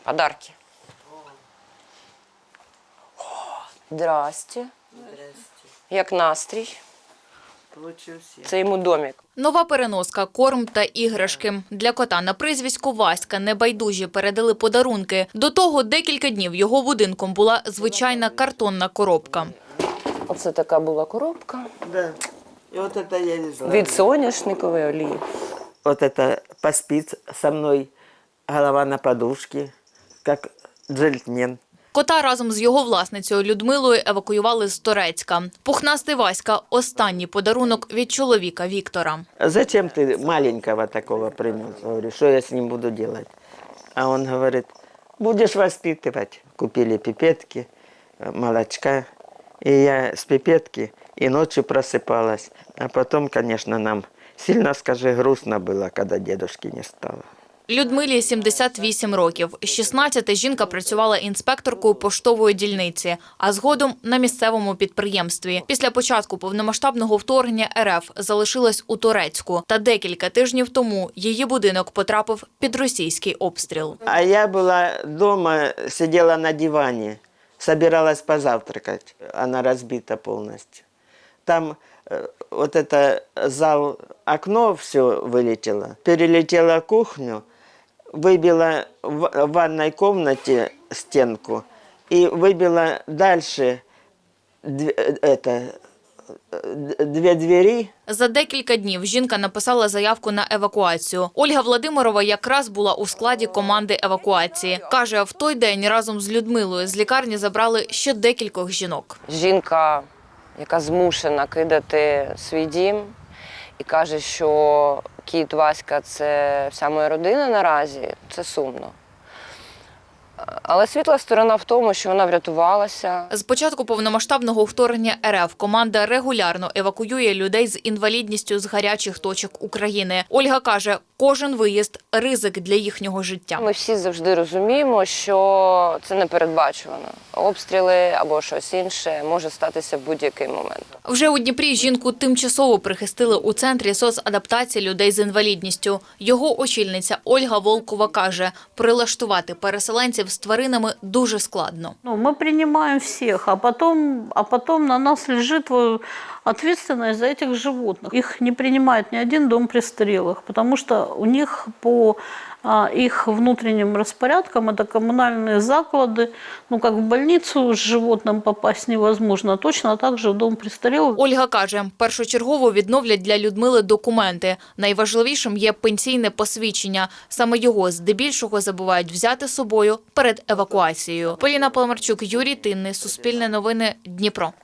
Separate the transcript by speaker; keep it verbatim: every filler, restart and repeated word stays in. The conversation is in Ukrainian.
Speaker 1: Подарки. О, здрасте. Як настрій? Це йому домик.
Speaker 2: Нова переноска, корм та іграшки. Для кота на прізвисько Васька небайдужі передали подарунки. До того декілька днів його будинком була звичайна картонна коробка.
Speaker 1: Оце така була коробка.
Speaker 3: Да. И вот это я не знаю.
Speaker 1: Від соняшникової олії.
Speaker 3: Вот это поспит со мной, голова на подушке, как джентльмен.
Speaker 2: Кота разом з його власницею Людмилою евакуювали з Торецька. Пухнастий Васька – останній подарунок від чоловіка Віктора.
Speaker 3: Зачем ты маленького такого принес? Говорю, что я с ним буду делать? А он говорит, будешь воспитывать. Купили пипетки, молочка. И я с пипетки и ночью просыпалась. А потом, конечно, нам сильно, скажи, грустно было, когда дедушки не стало.
Speaker 2: Людмилі сімдесят вісім років. З шістнадцяти жінка працювала інспекторкою поштової дільниці, а згодом на місцевому підприємстві. Після початку повномасштабного вторгнення РФ залишилась у Торецьку. Та декілька тижнів тому її будинок потрапив під російський обстріл.
Speaker 3: А я была дома, сидела на диване, собиралась позавтракать. Она разбита полностью. Там э, вот это зал, окно все вылетело. Перелетела кухню, выбила в в ванной комнате стенку и выбила дальше дв- э, это, э, две двери.
Speaker 2: За декілька днів жінка написала заявку на евакуацію. Ольга Владимирова якраз була у складі команди евакуації. Каже, в той день разом з Людмилою з лікарні забрали ще декількох жінок.
Speaker 1: Жінка, яка змушена кидати свій дім і каже, що кіт Васька – це вся моя родина наразі, це сумно. Але світла сторона в тому, що вона врятувалася.
Speaker 2: З початку повномасштабного вторгнення РФ команда регулярно евакуює людей з інвалідністю з гарячих точок України. Ольга каже, кожен виїзд – ризик для їхнього життя.
Speaker 1: Ми всі завжди розуміємо, що це непередбачувано. Обстріли або щось інше може статися в будь-який момент.
Speaker 2: Вже у Дніпрі жінку тимчасово прихистили у Центрі соцадаптації людей з інвалідністю. Його очільниця Ольга Волкова каже, прилаштувати переселенців з тваринами дуже складно.
Speaker 4: Ну, мы принимаем всех, а потом, а потом на нас лежит вот ответственность за этих животных. Их не принимает ни один дом престарелых, потому что у них по а, их внутренним распорядкам это коммунальные заклады. Ну, как в больницу с животным попасть невозможно, точно так же в дом престарелых.
Speaker 2: Ольга каже, першочергово відновлять для Людмили документи. Найважливішим є пенсійне посвідчення. Саме його здебільшого забувають взяти з собою перед евакуацією. Поліна Паламарчук, Юрій Тинний, Суспільне новини, Дніпро.